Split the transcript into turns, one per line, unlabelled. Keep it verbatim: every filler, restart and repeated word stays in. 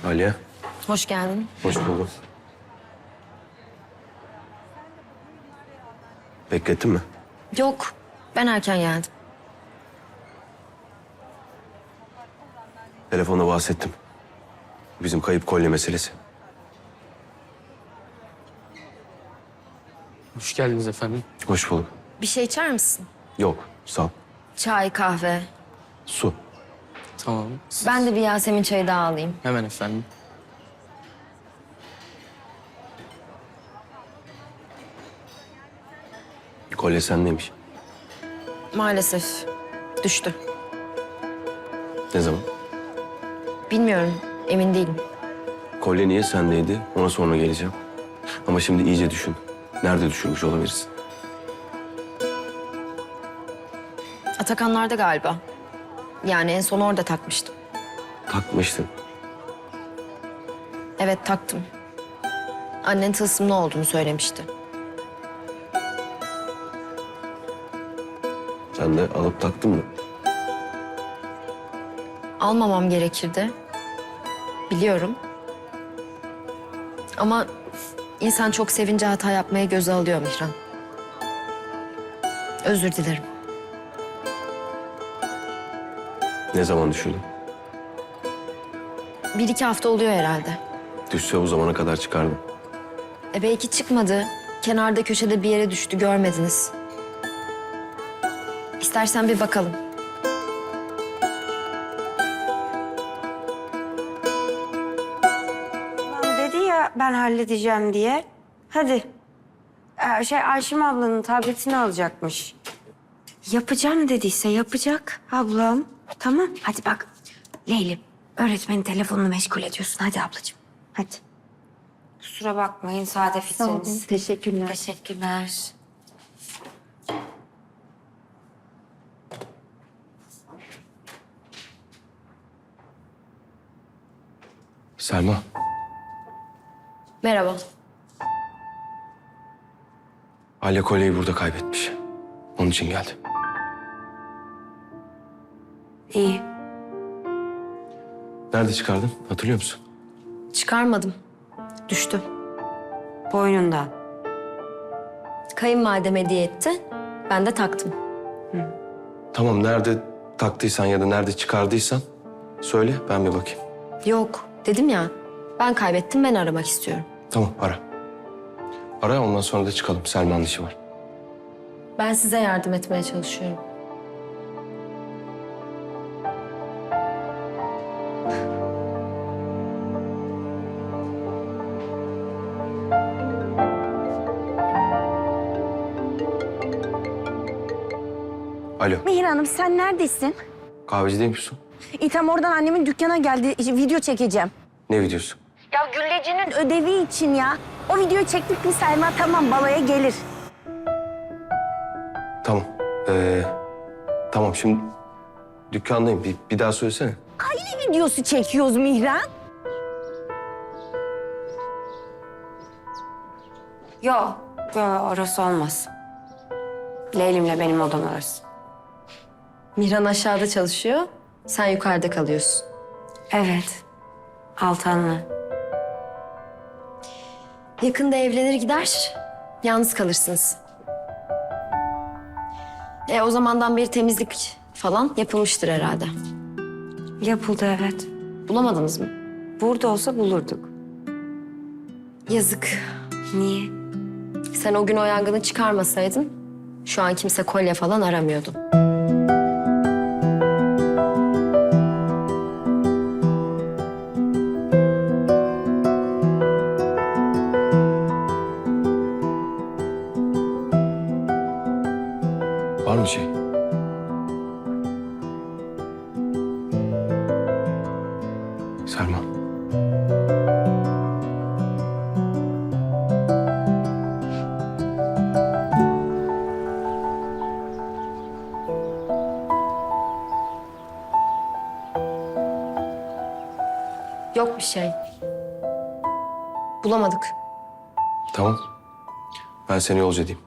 Aliye,
Hoş geldin.
hoş buldum. Beklettin mi?
Yok, ben erken geldim.
Telefonda bahsettim. Bizim kayıp kolye meselesi.
Hoş geldiniz efendim.
Hoş bulduk.
Bir şey içer misin?
Yok, sağ ol.
Çay, kahve.
Su.
Tamam. Siz-
Ben de bir Yasemin çayı daha alayım.
Hemen efendim.
Kolye sendeymiş.
Maalesef düştü.
Ne zaman?
Bilmiyorum, emin değilim.
Kolye niye sendeydi? Ona sonra geleceğim. Ama şimdi iyice düşün. Nerede düşürmüş olabilirsin?
Atakanlar'da galiba. Yani en son orada takmıştım.
Takmıştın.
Evet, taktım. Annen tılsımlı olduğunu söylemişti.
Sen de alıp taktın mı?
Almamam gerekirdi. Biliyorum. Ama insan çok sevince hata yapmaya göze alıyor Mihran. Özür dilerim.
Ne zaman düşürdün?
Bir iki hafta oluyor herhalde.
Düşse bu zamana kadar çıkardım.
E belki çıkmadı. Kenarda köşede bir yere düştü, görmediniz. İstersen bir bakalım.
Lan dedi ya ben halledeceğim diye. Hadi. Ee, şey Ayşem ablanın tabletini alacakmış. Yapacağım dediyse yapacak ablam. Tamam hadi bak. Leylim öğretmenin telefonunu meşgul ediyorsun. Hadi ablacığım hadi. Kusura bakmayın sade fitriniz.
Teşekkürler.
Teşekkürler.
Selma,
Merhaba.
Aliye kolyeyi burada kaybetmiş. Onun için geldi.
İyi.
Nerede çıkardın? Hatırlıyor musun?
Çıkarmadım. Düştü.
Boynundan.
Kayınvalidem hediye etti. Ben de taktım.
Tamam, nerede taktıysan ya da nerede çıkardıysan söyle, ben bir bakayım.
Yok, dedim ya. Ben kaybettim, ben aramak istiyorum.
Tamam, ara. Ara, ondan sonra da çıkalım. Selma'nın işi var.
Ben size yardım etmeye çalışıyorum.
Alo,
Mihir Hanım sen neredesin?
kahveci değil misin?
İtam oradan annemin dükkana geldi. İşte video çekeceğim.
Ne videosu?
Ya Gülleci'nin ödevi için ya. O videoyu çektik mi Selma tamam balaya gelir.
Tamam. Ee, tamam, şimdi dükkandayım. Bir, bir daha söylesene.
Aile videosu çekiyoruz Mihran.
Yok. Yok orası olmaz. Leylim'le benim odam orası.
Mihran aşağıda çalışıyor, sen yukarıda kalıyorsun.
Evet. Altan'la.
Yakında evlenir gider, yalnız kalırsınız. E o zamandan beri temizlik falan yapılmıştır herhalde.
Yapıldı evet.
Bulamadınız mı?
Burada olsa bulurduk.
Yazık.
Niye?
Sen o gün o yangını çıkarmasaydın, şu an kimse kolye falan aramıyordu.
Var mı şey? Selma.
Yok bir şey. Bulamadık.
Tamam. Ben seni yolcu edeyim.